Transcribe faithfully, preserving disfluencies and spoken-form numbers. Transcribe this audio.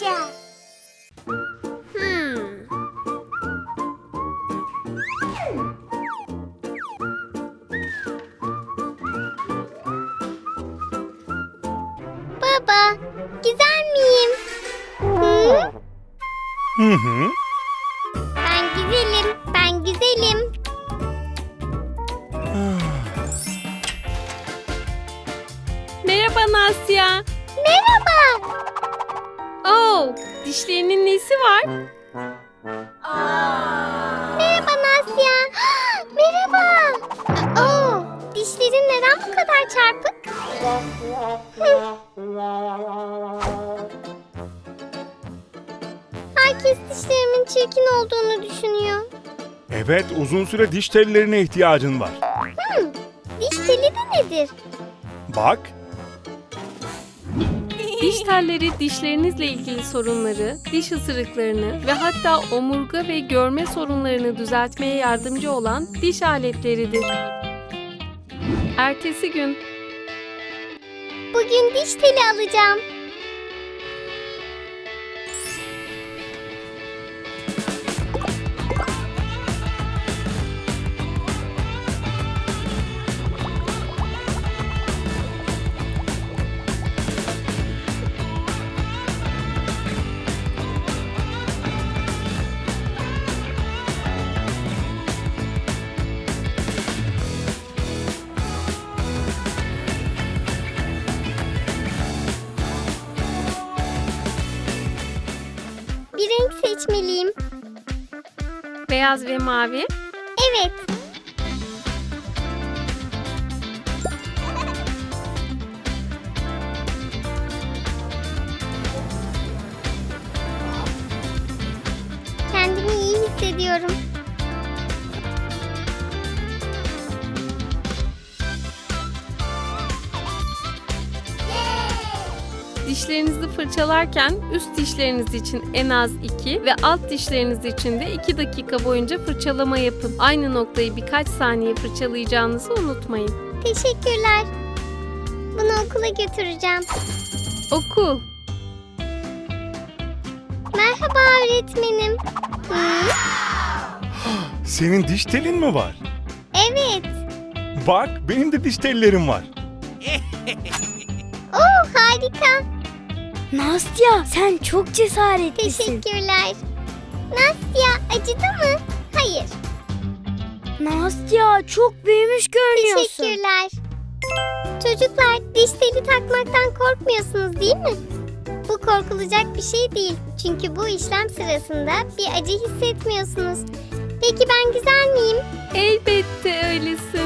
amca. Hmm. Baba, güzel miyim? Hı? Hı hı. Ben güzelim, ben güzelim. Merhaba Nasya. Merhaba. Oh, dişlerinin nesi var? Merhaba Nasya. Merhaba. Oo, dişlerin neden bu kadar çarpık? Hı. Herkes dişlerimin çirkin olduğunu düşünüyor. Evet, uzun süre diş tellerine ihtiyacın var. Hı. Diş teli de nedir? Bak, Diş telleri dişlerinizle ilgili sorunları, diş ısırıklarını ve hatta omurga ve görme sorunlarını düzeltmeye yardımcı olan diş aletleridir. Ertesi gün Bugün diş teli alacağım. Bir renk seçmeliyim. beyaz ve mavi, Evet. Kendimi iyi hissediyorum. dişlerinizi fırçalarken üst dişleriniz için en az iki ve alt dişleriniz için de iki dakika boyunca fırçalama yapın. Aynı noktayı birkaç saniye fırçalayacağınızı unutmayın. Teşekkürler. Bunu okula götüreceğim. Okul. Merhaba öğretmenim. Hı? senin diş telin mi var? Evet. Bak, benim de diş tellerim var. Oo, harika. Nastya, sen çok cesaretlisin. Teşekkürler. Nasya, acıdı mı? Hayır. Nastya, çok büyümüş görünüyorsun. Teşekkürler. Çocuklar, diş teli takmaktan korkmuyorsunuz değil mi? Bu korkulacak bir şey değil. Çünkü bu işlem sırasında bir acı hissetmiyorsunuz. Peki ben güzel miyim? Elbette öylesin.